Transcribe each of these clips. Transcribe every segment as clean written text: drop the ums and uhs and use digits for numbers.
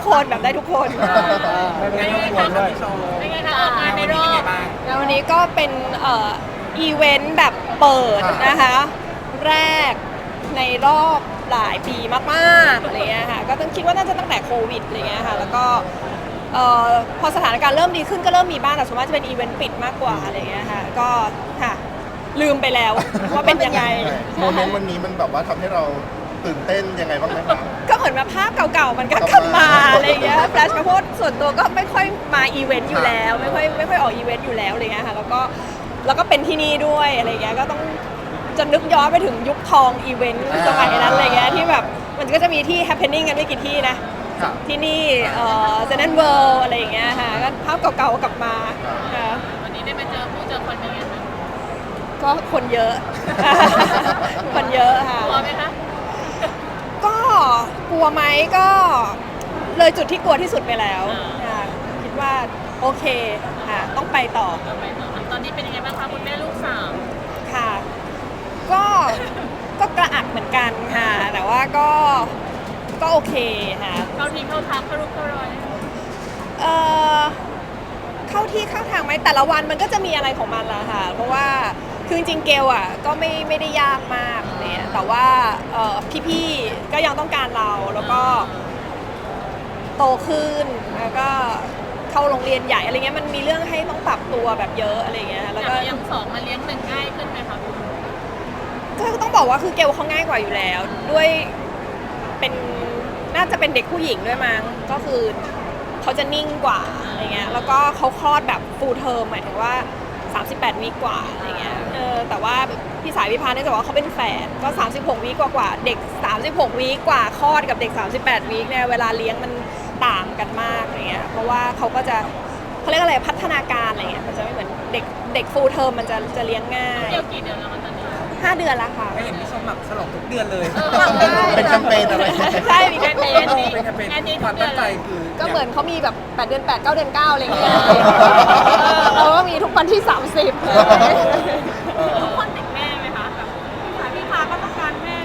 คนแบบได้ทุกคนไม่ได้รบกวนด้วยเป็นไงคะออกงานในรอบแล้ววันนี้ก็เป็นอีเวนต์แบบเปิดนะคะแรกในรอบหลายปีมากๆอะไรเงี้ยค่ะก็ต้องคิดว่าน่าจะตั้งแต่โควิดอะไรเงี้ยค่ะแล้วก็พอสถานการณ์เริ่มดีขึ้นก็เริ่มมีบ้างแต่ส่วนมากจะเป็นอีเวนต์ปิดมากกว่าอะไรเงี้ยค่ะก็ค่ะลืมไปแล้วว่าเป็นยังไงโมเมนต์วันนี้มันแบบว่าทำให้เราตื่นเต้นยังไงบ้างไหมคะก็เหมือนมาภาพเก่าๆมันก็กลับมาอะไรเงี้ยแฟลชมาพูดส่วนตัวก็ไม่ค่อยมาอีเวนต์อยู่แล้วไม่ค่อยออกอีเวนต์อยู่แล้วอะไรเงี้ยค่ะแล้วก็เป็นที่นี่ด้วยอะไรเงี้ยก็ต้องจะนึกย้อนไปถึงยุคทองอีเวนต์สมัยนั้นอะไรเงี้ยที่แบบมันก็จะมีที่ happening กันไม่กี่ที่นะที่นี่เซนต์เวิลด์อะไรอย่างเงี้ยค่ะก็ภาพเก่าๆกลับมาวันนี้ได้มาเจอคนเป็นไงคะก็คนเยอะ คนเยอะค่ะกลัวไหมคะก็กลัวไหมก็เลยจุดที่กลัวที่สุดไปแล้วคิดว่าโอเคค่ะต้องไปต่อตอนนี้เป็นยังไงบ้างคะคุณแม่ลูกสามค่ะก็กระอักเหมือนกันค่ะแต่ว่าก็โอเคค่ะเข้าทีเข้าทางเข้ารูปเข้ารอยเข้าที่เข้าทางไหมแต่ละวันมันก็จะมีอะไรของมันละค่ะเพราะว่าคือจริงๆเกลอ่ะก็ไม่ได้ยากมากเนี่ยแต่ว่าพี่ๆก็ยังต้องการเราแล้วก็โตขึ้นแล้วก็เข้าโรงเรียนใหญ่อะไรเงี้ยมันมีเรื่องให้ต้องปรับตัวแบบเยอะอะไรเงี้ยแล้วก็ยังสองมาเลี้ยงหนึ่งง่ายขึ้นไหมคะก็ต้องบอกว่าคือเกลเขาง่ายกว่าอยู่แล้วด้วยเป็นน่าจะเป็นเด็กผู้หญิงด้วยมั้งก็คือเขาจะนิ่งกว่าอะไรเงี้ยแล้วก็เขาคลอดแบบ full term หมายถึงว่า38 วีคกว่าอะไรเงี้ยแต่ว่าพี่สายพี่พาเนี่ยจะบอกว่าเขาเป็นแฝดก็36 วีคกว่าเด็ก36 วีคกว่าคลอดกับเด็ก38 วีคเนี่ยเวลาเลี้ยงมันต่างกันมากอะไรเงี้ยเพราะว่าเขาก็จะเขาเรียกอะไรพัฒนาการอะไรเงี้ยมันจะไม่เหมือนเด็ก full term มันจะเลี้ยงง่ายเกี่ยวกี่เดือนแล้วคะตอนนี้ 5 เดือนแล้วค่ะไม่เห็นพี่ชมแบบฉลองทุกเดือนเลยเป็นแคมเปญอะไรใช่มีแคมเปญเป็นแคมเปญความตั้งใจคือก็เหมือนเขามีแบบ8 เดือน 8 9 เดือน 9อะไรอย่างเงี้ยเราก็มีทุกวันที่30 ทุกคนติดแม่ไหมคะแบบพี่พาก็ต้องการแม่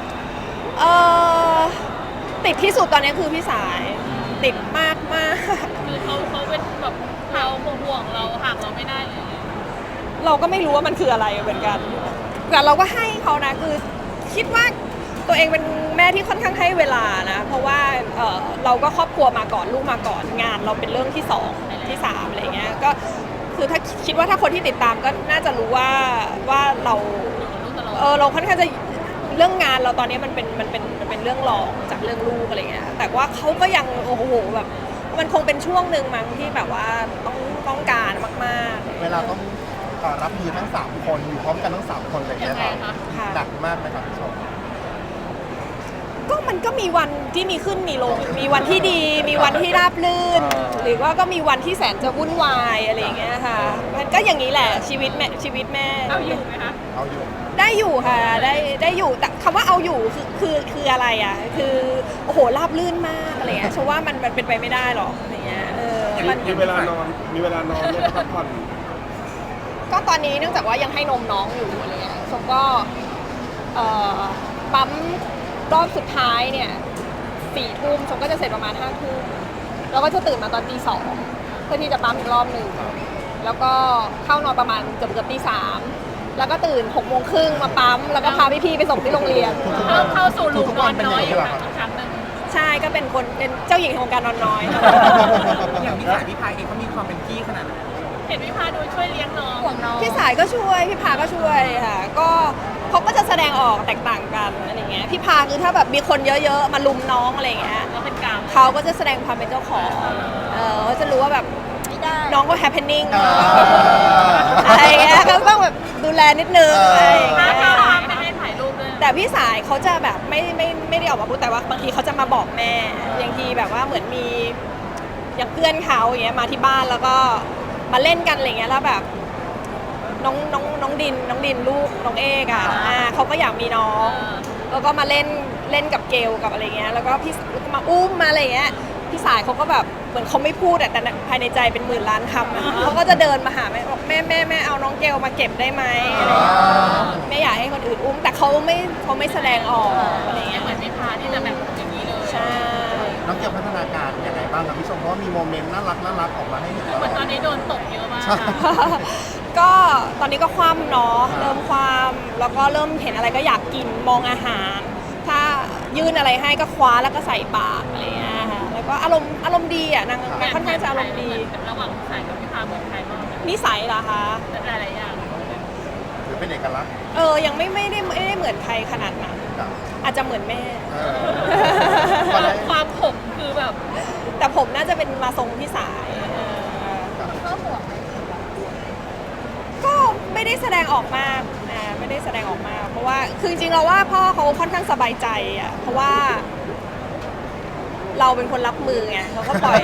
ติดที่สุดตอนนี้คือพี่สายติดมากคือเขาเป็นแบบเราห่วงเราห่างเราไม่ได้เลยเราก็ไม่รู้ว่ามันคืออะไรเหมือนกันแต่เราก็ให้เขานะคือคิดว่าตัวเองเป็นแม่ที่ค่อนข้างให้เวลานะเพราะว่าเราก็ครอบครัวมาก่อนลูกมาก่อนงานเราเป็นเรื่องที่2ที่3อะไรเงี้ยก็คือถ้าคิดว่าถ้าคนที่ติดตามก็น่าจะรู้ว่าเราค่อนข้างจะเรื่องงานเราตอนนี้มันเป็นเรื่องรองจากเรื่องลูกอะไรเงี้ยแต่ว่าเขาก็ยังโอ้โหแบบมันคงเป็นช่วงหนึ่งมั้งที่แบบว่าต้องการมากๆเวลาต้องรับมือทั้ง3คนอยู่พร้อมกันทั้ง3คนอะไรอย่างเงี้ยครับหนักมากไหมครับพี่ชมก็มันก็มีวันที่มีขึ้นมีลงมีวันที่ดีมีวันที่ราบรื่นหรือว่าก็มีวันที่แสนจะวุ่นวายอะไรอย่างเงี้ยค่ะมันก็อย่างนี้แหละชีวิตแม่เอาอยู่ไหมคะเอาอยู่ได้อยู่ค่ะได้อยู่แต่คำว่าเอาอยู่คืออะไรอ่ะคือโอ้โหราบรื่นมากอะไรเงี้ยฉันว่ามันเป็นไปไม่ได้หรอกอะไรเงี้ยมันมีเวลานอนได้พักผ่อนก็ตอนนี้เนื่องจากว่ายังให้นมน้องอยู่อะไรเงี้ยชมก็ปั๊มรอบสุดท้ายเนี่ย4 ทุ่มชมก็จะเสร็จประมาณ5 ทุ่มแล้วก็จะตื่นมาตอนตี 2เพื่อที่จะปั๊มอีกรอบหนึ่งแล้วก็เข้านอนประมาณเกือบตี 3แล้วก็ตื่น6:30มาปั๊มแล้วก็พาพี่ๆไปส่งที่โรงเรียนเข้าสู่ลูปนอนน้อยอยู่ครั้งหนึ่งใช่ก็เป็นเจ้าหญิงของการนอนน้อยอย่างพี่สายพี่พายเองเขามีความเป็นพี่ขนาดไหนเห็นพี่พาดูช่วยเลี้ยงน้องห่วงน้องพี่สายก็ช่วยพี่พาก็ช่วยค่ะก็เขาก็จะแสดงออกแตกต่างกันอะไรเงี้ยพี่พาคือถ้าแบบมีคนเยอะๆมาลุมน้องอะไรเงี้ยเขาก็จะแสดงความเป็นเจ้าของเขาจะรู้ว่าแบบน้องก็ happening อะไรเงี้ยก็ต้องแบบดูแลนิดนึงไม่ให้ถ่ายรูปด้วยแต่พี่สายเขาจะแบบไม่ได้ออกมาพูดแต่ว่าบางทีเขาจะมาบอกแม่บางทีแบบว่าเหมือนมีอย่างเพื่อนเขาอย่างเงี้ยมาที่บ้านแล้วก็มาเล่นกันอะไรเงี้ยแล้วแบบน้องดินลูกน้องเอกอ่ะเขาก็อยากมีน้องแล้วก็มาเล่นกับเกลกับอะไรเงี้ยแล้วก็พี่มาอุ้มมาอะไรเงี้ยพี่สายเขาก็แบบเหมือนเขาไม่พูดแต่ภายในใจเป็น10,000 ล้านคำเขาก็จะเดินมาหาแม่บอกแม่เอาน้องเกลมาเก็บได้ไหมอะไรไม่อยากให้คนอื่นอุ้มแต่เขาไม่แสดงออกอะไรเงี้ยเหมือนไม่พาที่จะแบบอย่างนี้เลยใช่น้องเกี่ยวพัฒนาการยังไงบ้างครับพี่ชมเพราะว่ามีโมเมนต์น่ารักออกมาให้เห็นตลเหมืออนดตอนนี้โดนตกเยอะมากใช่ก็ตอนนี้ก็คว่ำเนาะเริ่มคว่ำแล้วก็เริ่มเห็นอะไรก็อยากกินมองอาหาร ถ้ายื่นอะไรให้ก็คว้าแล้วก็ใส่ปากอะไรเงี้ยค่ะแล้วก็อารมณ์ดีอ่ะนางค่อนข้างจะอารมณ์ดีระหว่างสายกับพี่พาเหมือนใครบ้างนิสัยเหรอคะหลายๆอย่างหรือเป็นเอกลักษณ์ยังไม่ได้เหมือนใครขนาดนั้นครับอาจจะเหมือนแม่เออความผมคือแบบแต่ผมน่าจะเป็นมาทรงพี่สายครับก็ห่วงก็ไม่ได้แสดงออกมากไม่ได้แสดงออกมากเพราะว่าคือจริงๆเราว่าพ่อเขาค่อนข้างสบายใจอ่ะเพราะว่าเราเป็นคนรับมือไงเราก็ปล่อย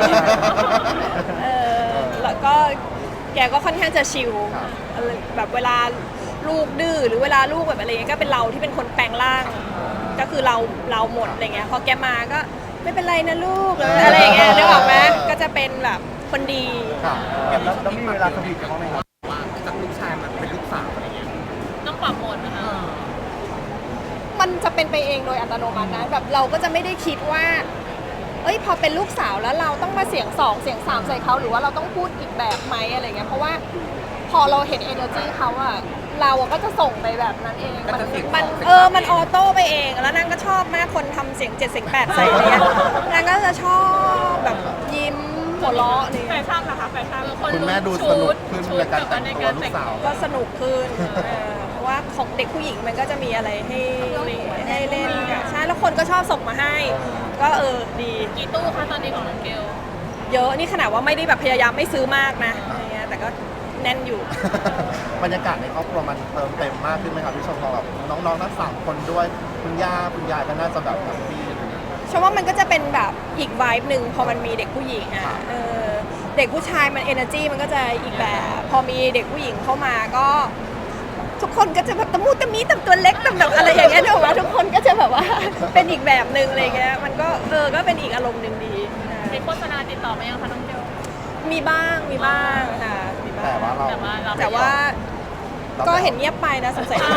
แล้วก็แกก็ค่อนข้างจะชิลแบบเวลาลูกดื้อหรือเวลาลูกแบบอะไรเงี้ยก็เป็นเราที่เป็นคนแปลงร่าง ก็คือเราหมดอะไรเงี้ยพอแกมาก็ไม่เป็นไรนะลูกหรืออะไรเงี้ยนึกออกไหมก็จะเป็นแบบคนดีครับแล้วมีเวลาสวีทกันบ้างไหมครับว่าจากลูกชายมันเป็นลูกสาวอะไรเงี้ยต้องปรับโหมดนะคะมันจะเป็นไปเองโดยอัตโนมัตินะแบบเราก็จะไม่ได้คิดว่าพอเป็นลูกสาวแล้วเราต้องมาเสียง2เสียง3ใส่เขาหรือว่าเราต้องพูดอีกแบบไหมอะไรเงี้ยเพราราะว่าพอเราเห็น energy เขาอะเราก็จะส่งไปแบบนั้นเองมันออโต้ไปเองแล้วนางก็ชอบมากคนทำเสียง7เสียง8ใส่อะไรเงี้ยนางก็จะชอบแบบยิ้มหัวเราะนี่แฟชั่นนะคะแฟชั่นคุณแม่ดูสนุกขึ้นในการแต่งตัวลูกสาวก็สนุกขึ้นเพราะว่าของเด็กผู้หญิงมันก็จะมีอะไรให้เล่นอะใช่แล้วคนก็ชอบส่งมาให้ ก็ดีกี่ตู้คะตอนนี้ของน้องเกลเยอะนี่ขนาดว่าไม่ได้แบบพยายามไม่ซื้อมากนะอะไรเงี้ยแต่ก็แน่นอยู่บรรยากาศในครอบครัวมันเติมเต็มมากขึ้นไหมครับพี่ชมพอแบบน้องๆทั้ง3คนด้วยคุณย่าคุณยายก็น่าจะแบบแฮปปี้ฉันว่ามันก็จะเป็นแบบอีกไวบ์หนึ่งพอมันมีเด็กผู้หญิงครัอ่ะบเด็กผู้ชายมัน energy มันก็จะอีกแบบพอมีเด็กผู้หญิงเข้ามาก็ ทุกคนก็จะแบบตะมูตะมีตะตัวเล็กตะแบบอะไรอย่างเงี้ยเนอะว่าทุกคนก็จะแบบว่า เป็นอีกแบบหนึ่งอะไรเงี้ยมันก็ก็เป็นอีกอารมณ์หนึ่งดีนะมีโฆษณาติดต่อมายังคะน้องเกลมีบ้างค่ะมีบ้าแต่งว่าเราแต่ว่าก็เห็นเงียบไปนะสงสัย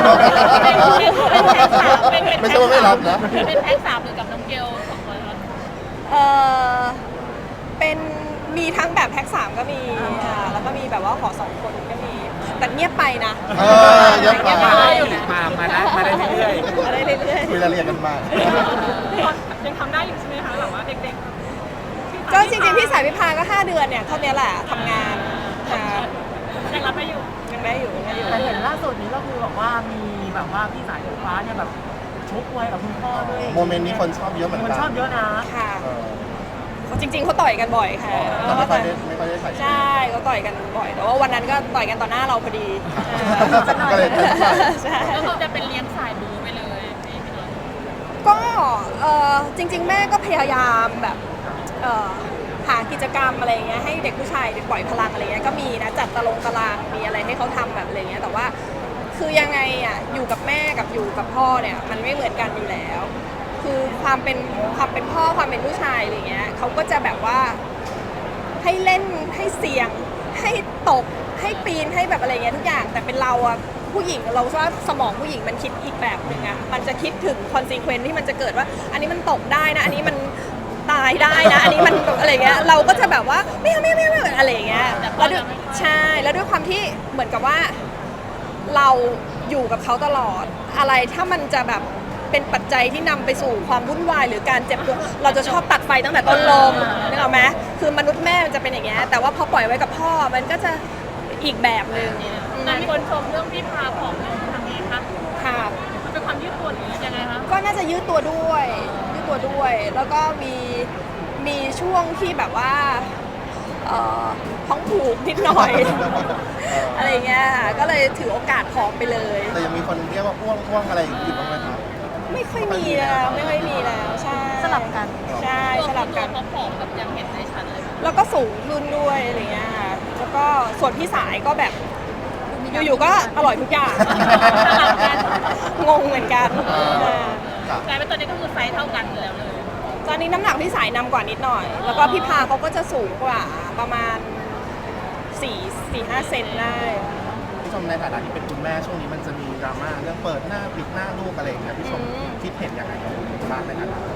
ไม่ใช่ว่าไม่รับนะเป็นแพ็ค3หรือกับน้องเกล2คนคะเป็นมีทั้งแบบแพ็ค3ก็มีค่ะแล้วก็มีแบบว่าขอ2คนก็มีแต่เงียบไปนะเงียบไปมาได้เรื่อยมาได้เรื่อยคุยรายละเอียดกันมายังทำได้อยู่ใช่ไหมคะแบบว่าเด็กๆก็จริงๆพี่สายพิพาก็5 เดือนเนี่ยเท่านี้แหละทำงานค่ะยังรับไม่อยู่ยังได้อยู่แต่เห็นล่าสุดนี้ก็คือแบบว่ามีแบบว่าพี่สายฟ้าเนี่ยแบบชกมวยกับคุณพ่อด้วยโมเมนต์นี้คนชอบเยอะเหมือนคกัน นชอบเยอะนะค่ะเออจริงๆเขาต่อยกันบ่อยค่ะแต่ไม่ค่อยได้ถ่ายใช่เขาต่อยกันบ่อยแต่ว่าวันนั้นก็ต่อยกันต่อหน้าเราพอดีก็เลยเป็นฝ่ายใช่ก็คือจะเป็นเลี้ยงสายบูไปเลยนี่พี่น้องก็จริงๆแม่ก็พยายามแบบหากิจกรรมอะไรเงี้ยให้เด็กผู้ชายปล่อยพลังอะไรเงี้ยก็มีนะจัดตารางมีอะไรให้เขาทำแบบอะไรเงี้ยแต่ว่าคือยังไงอ่ะอยู่กับแม่กับอยู่กับพ่อเนี่ยมันไม่เหมือนกันอยู่แล้ว คือความเป็นพ่อความเป็นผู้ชายอะไรเงี้ยเขาก็จะแบบว่าให้เล่นให้เสี่ยงให้ตกให้ปีนให้แบบอะไรเงี้ยทุกอย่างแต่เป็นเราอะผู้หญิงเราว่าสมองผู้หญิงมันคิดอีกแบบหนึ่งอะมันจะคิดถึงคอนซีเควนซ์ที่มันจะเกิดว่า อันนี้มันตกได้นะอันนี้มันตายได้นะอันนี้มันอะไรเงี้ยเราก็จะแบบว่าไม่อะไรเงี้ยแล้วด้วยใช่แล้วด้วยความที่เหมือนกับว่าเราอยู่กับเขาตลอดอะไรถ้ามันจะแบบเป็นปัจจัยที่นำไปสู่ความวุ่นวายหรือการเจ็บตัวเราจะชอบตัดไฟตั้งแต่ต้นลมนึกออกไหมคือมนุษย์แม่มันจะเป็นอย่างเงี้ยแต่ว่าพอปล่อยไว้กับพ่อมันก็จะอีกแบบหนึ่งแต่มีคนชมเรื่องพี่พาผอมลงทำไงคะค่ะมันเป็นความยืดตัวหรือยังไงคะก็น่าจะยืดตัวด้วยแล้วก็มีช่วงที่แบบว่าท้องผูกนิดหน่อย อะไรเงี้ยค่ะก็เลยถือโอกาสผอมไปเลยแต่ยังมีคนเรียกว่าอ้วงอะไรอยู่บ้างไหมครับไม่ค่อยมีแล้วใช่สลับกันใช่สลับกันตัวผอมแบบยังเห็นได้ชัดเลยแล้วก็สูงขึ้นด้วยอะไรเงี้ยค่ะแล้วก็ส่วนพี่สายก็แบบอยู่ๆก็อร่อยทุกอย่างสลับกันงงเหมือนกันครับกลายเป็นตอนนี้ก็คือไซส์เท่ากันแล้วเลยตอนนี้น้ำหนักพี่สายนำกว่านิดหน่อย แล้วก็พี่พาเขาก็จะสูงกว่าประมาณ 4-5 เซนได้พี่ชมในฐานะที่เป็นคุณแม่ช่วงนี้มันจะมีดราม่าเรื่องเปิดหน้าปิดหน้าลูกอะไรอย่างเงี้ยพี่ชมคิดเห็นยังไงกับบ้างในฐานะคุณแม่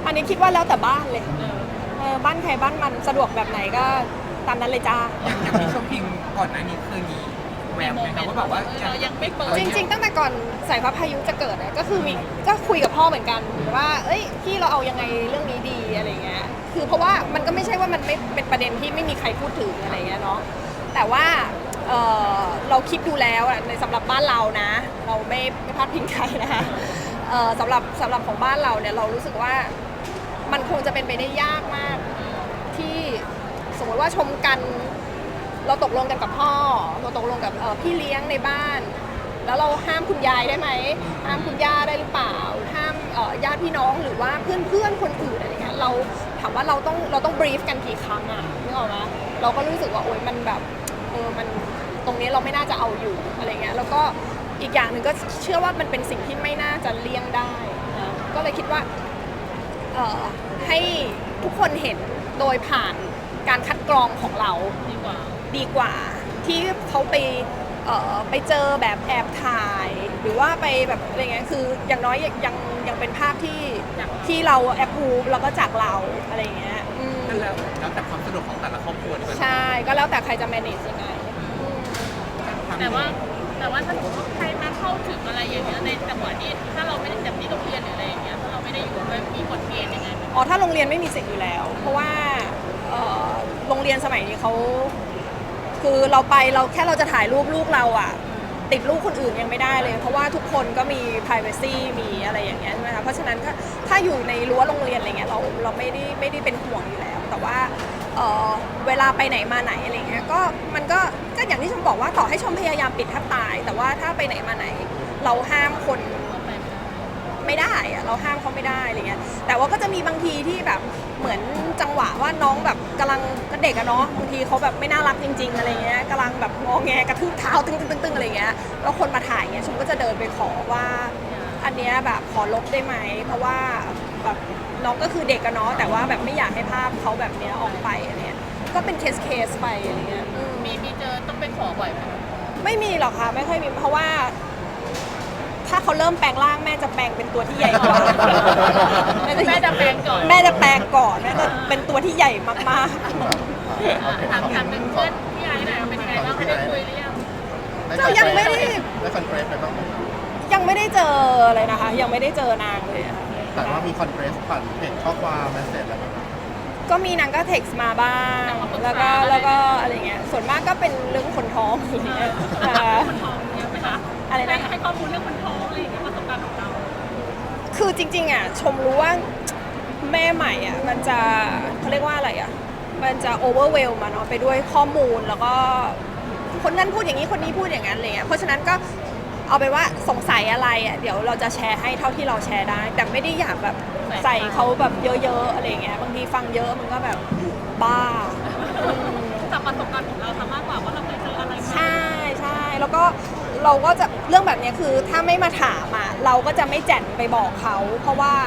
อันนี้คิดว่าแล้วแต่บ้านเลยบ้านใครบ้านมันสะดวกแบบไหนก็ตามนั้นเลยจ้าอย่างที่ชมพิงก่อนหน้านี้เคยมีแววไหมคะว่าแบบว่าเรายังไม่เปิดจริงๆตั้งแต่ก่อนสายฟ้าพายุจะเกิดอะก็คือก็คุยกับพ่อเหมือนกันว่าเอ้ยพี่เราเอายังไงเรื่องนี้ดีอะไรเงี้ยคือเพราะว่ามันก็ไม่ใช่ว่ามันไม่เป็นประเด็นที่ไม่มีใครพูดถึงอะไรเงี้ยเนาะแต่ว่าเราคิดดูแล้วอะในสำหรับบ้านเรานะ เราไม่พลาดพิงใครนะคะสำหรับของบ้านเราเนี่ยเรารู้สึกว่ามันคงจะเป็นไปได้ยากมากที่สมมติว่าชมกันเราตกลงกันกับพ่อเราตกลงกับพี่เลี้ยงในบ้าน แล้วเราห้ามคุณยายได้ไหมห้ามคุณย่าได้หรือเปล่าห้ามญาติพี่น้องหรือว่าเพื่อนคนอื่นอะไรเงี้ยเราถามว่าเราต้องบรีฟกันกี่ครั้งอะนึกออกไหมเราก็รู้สึกว่าโอ๊ยมันแบบมันตรงนี้เราไม่น่าจะเอาอยู่อะไรเงี้ยแล้วก็อีกอย่างหนึ่งก็เชื่อว่ามันเป็นสิ่งที่ไม่น่าจะเลี่ยงได้นะก็เลยคิดว่าให้ทุกคนเห็นโดยผ่านการคัดกรองของเราดีกว่าที่เขาไปเจอแบบแอบถ่าย หรือว่าไปแบบอะไรเงี้ยคืออย่างน้อยยังเป็นภาพที่เราแอบพูฟแล้วก็จากเราอะไรเงี้ยนั่นแล้วแต่ความสะดวกของแต่ละครอบครัวดีกว่าใช่ก็แล้วแต่ใครจะ manage ยังไงแต่ว่าถ้าสมมติว่าใครมาเข้าถึงอะไรอย่างเงี้ยในจังหวะที่ถ้าเราไม่ได้แบบที่โรงเรียนหรืออะไรอย่างเงี้ยถ้าเราไม่ได้อยู่ด้วยมีกฎเกณฑ์ยังไงไหมอ๋อถ้าโรงเรียนไม่มีสิทธิ์อยู่แล้ว เพราะว่าโรงเรียนสมัยนี้เขาคือเราแค่เราจะถ่ายรูปลูกเราอะติดลูกคนอื่นยังไม่ได้เลย เพราะว่าทุกคนก็มี privacy มีอะไรอย่างเงี้ยใช่ไหมคะเพราะฉะนั้นถ้าอยู่ในรั้วโรงเรียนอะไรเงี้ยเราไม่ได้เป็นห่วงอยู่แล้ว แต่ว่าเวลาไปไหนมาไหนอะไรเงี้ยมันก็อย่างที่ชมบอกว่าต่อให้ชมพยายามปิดแทบตาย แต่ว่าถ้าไปไหนมาไหนเราห้ามคนไม่ได้อะเราห้ามเขาไม่ได้อะไรเงี้ยแต่ว่าก็จะมีบางทีที่แบบเหมือนจังหวะว่าน้องแบบกำลังก็เด็กอะเนาะบางทีเขาแบบไม่น่ารักจริงๆอะไรเงี้ยกำลังแบบงอแงกระทืบเท้าตึ้งอะไรเงี้ยแล้วคนมาถ่ายเงี้ยชมก็จะเดินไปขอว่าอันเนี้ยแบบขอลบได้ไหมเพราะว่าแบบน้องก็คือเด็กอะเนาะแต่ว่าแบบไม่อยากให้ภาพเขาแบบเนี้ยออกไปอะไรเงี้ยก็เป็นเคสไปอะไรเงี้ยมีเจอต้องไปขอบ่อยไหมไม่มีหรอกค่ะไม่ค่อยมีเพราะว่าถ้าเขาเริ่มแปลงร่างแม่จะแปลงเป็นตัวที่ใหญ่กว่าแม่จะแปลงก่อนแม่จะแปลงก่อนแม่จะเป็นตัวที่ใหญ่มากถามหนึ่งเพื่อนพี่ไอ้หน่อยเป็นไงบ้างได้คุยหรือยังๆก็ยังไม่ได้คอนเฟรสไปบ้างไหมยังไม่ได้เจอเลยนะคะยังไม่ได้เจอนางเลยอะแต่ว่ามีคอนเฟรสผ่านเพจข้อความเมสเซจอะไรแบบนี้ก็มีนางก็เท็กซ์มาบ้างแล้วก็อะไรเงี้ยส่วนมากก็เป็นเรื่องคนท้องอะไรเงี้ยคนท้องเยอะไหมคะอะไรนะให้ข้อมูลเรื่องคนท้องอะไรอย่างเงี้ยประสบการณ์ของเราคือจริงๆอ่ะชมรู้ว่าแม่ใหม่อ่ะมันจะเขาเรียกว่าอะไรอ่ะมันจะโอเวอร์เวลมาเนาะไปด้วยข้อมูลแล้วก็คนนั้นพูดอย่างนี้คนนี้พูดอย่างนั้นอะไรเงี้ยเพราะฉะนั้นก็เอาไปนว่าสงสัยอะไรอ่ะเดี๋ยวเราจะแชร์ให้เท่าที่เราแชร์ได้ แต่ไม่ได้อยากแบบใส่เขาแบบเยอะๆอะไรเงี้ยบางทีฟังเยอะมันก็แบบบ้าจากประสบการณ์ของเราทำมากกว่าว่าเราเคยเจออะไรมาใช่แล้วก็เราก็จะเรื่องแบบนี้คือถ้าไม่มาถามอ่ะเราก็จะไม่แจ่นไปบอกเขาเพราะว่า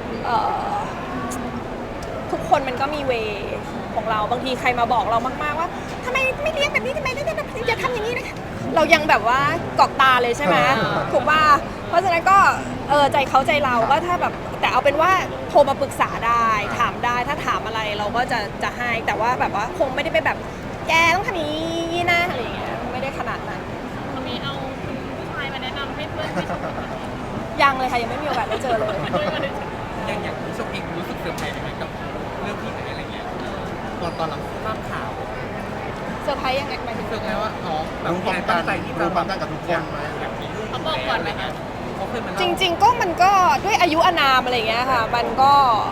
ทุกคนมันก็มีเวของเราบางทีใครมาบอกเรามากๆว่าทำไมไม่เลี้ยงแบบนี้ทำไมไม่ได้แบบนี้อย่าทำอย่างนี้นะเรายังแบบว่ากอกตาเลยใช่ไหมถูกป่ะเพราะฉะนั้นก็ใจเขาใจเราก็ถ้าแบบแต่เอาเป็นว่าโทรมาปรึกษาได้ถามได้ถ้าถามอะไรเราก็จะให้แต่ว่าแบบว่าคงไม่ได้ไปแบบแกต้องทำอย่างนี้นะอะไรอย่างเงี้ยไม่ได้ขนาดนั้นวันนี้เอาผู้ชายมาแนะนำให้เพื่อนไปชมกันยังเลยค่ะยังไม่มีโอกาสได้เจอเลยอย่างที่ชมพิงรู้สึกเซอร์ไพรส์ไหมกับเรื่องที่ไหนอะไรเงี้ยตอนเราทราบข่าวเซอร์ไพรส์ยังไงหมายถึงรู้สึกไงว่าน้องแบบรู้ความตั้งใจกับทุกคนไหมอยากมีลูกเขาบอกก่อนไหมคะเขาเคยมาจเล่าริงๆก็มันก็ด้วยอายุอานามอะไรอย่างเงี้ยค่ะมันก็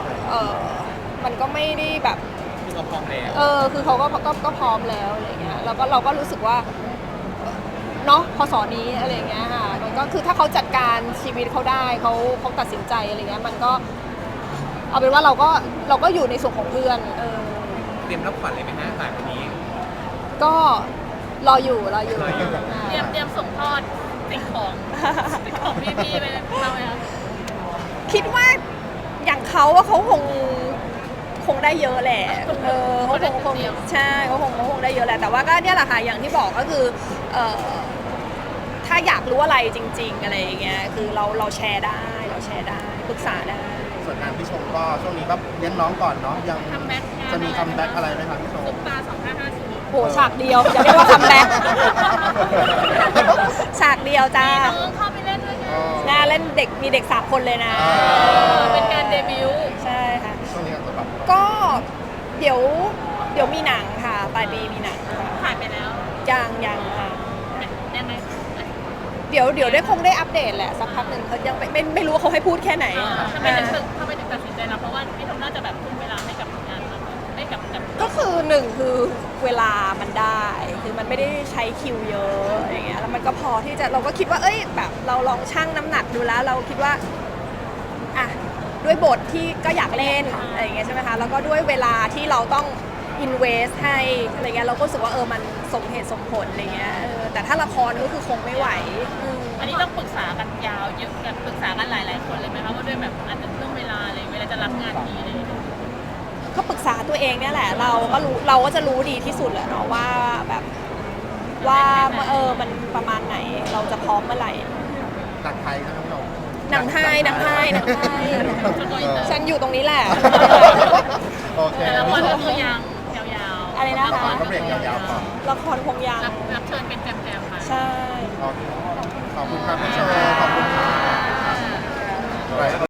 ไม่ได้แบบคือเราพร้อมแล้วคือเขาก็พร้อมแล้วอะไรอย่างเงี้ยแล้วก็เราก็รู้สึกว่าเนาะพอสอนี้อะไรอย่างเงี้ยค่ะมันก็คือถ้าเขาจัดการชีวิตเขาได้เขาตัดสินใจอะไรเงี้ยมันก็เอาเป็นว่าเราก็อยู่ในส่วนของเพื่อนเตรียมรับขวัญเลยไหมฮะหลังจากนี้ก็รออยู่เตรียมส่งทอดสิ่งของพี่ไปเราไหมคะคิดว่าอย่างเขาว่าเขาคงได้เยอะแหละเขาคงใช่เขาคงได้เยอะแหละแต่ว่าก็เนี่ยแหละค่ะอย่างที่บอกก็คือถ้าอยากรู้อะไรจริงๆอะไรอย่างเงี้ยคือเราแชร์ได้ปรึกษาได้ส่วนงานพี่ชมก็ช่วงนี้ก็เลี้ยงน้องก่อนเนาะยังคัมแบ็กจะมีคัมแบ็กอะไรไหมครับพี่ชมซุปตา2550 โหฉากเดียวจะเรียกว่าคัมแบ็ก ฉากเดียวจ้าน้องเข้าไปเล่นด้วยไงน่าเล่นเด็กมีเด็ก3 คนเลยนะเป็นการเดบิวต์ใช่ค่ะช่วงนี้ก็แบบก็เดี๋ยวมีหนังค่ะปลายปีมีหนังค่ะผ่านไปแล้วยังค่ะยังไงเดี๋ยวได้คงได้อัปเดตแหละสักพักหนึ่งเขายังไม่รู้ว่าเขาให้พูดแค่ไหนทำไมถึงตัดสินใจรับเพราะว่าพี่ทอมน่าจะแบบทุ่มเวลาให้กับงานมากให้กับก็คือหนึ่งคือเวลามันได้ คือมันไม่ได้ใช้คิวเยอะอย่างเงี้ยแล้วมันก็พอที่จะเราก็คิดว่าเอ้ยแบบเราลองชั่งน้ำหนักดูแล้ว เราคิดว่าอ่ะด้วยบทที่ก็อยากเล่นอะไรอย่างเงี้ยใช่ไหมคะแล้วก็ด้วยเวลาที่เราต้องinvest ให้อะไรเงี้ยเราก็รู้สึกว่ามันสมเหตุสมผลอะไรเงี้ยแต่ถ้าละครก็คือคงไม่ไหวอันนี้ต้องปรึกษากันยาวเยอะกันปรึกษากันหลายๆคนเลยไหมคะว่าด้วยแบบอาจจะเรื่องเวลาอะไรเวลาจะรับงานทีอะไรอย่างเงี้ยก็ปรึกษาตัวเองเนี่ยแหละเราก็จะรู้ดีที่สุดแหละเนาะว่าแบบว่ามันประมาณไหนเราจะพร้อมเมื่อไหร่หนังไทยนะพี่ชมหนังไทยฉันอยู่ตรงนี้แหละโอเคแต่ละครก็คือยาวๆอะไรนะคะก็เบรกยาวๆก่อนละครคงยังรับเชิญเป็นแจมๆค่ะใช่โอเคขอบคุณครับพี่ชมขอบคุณครับ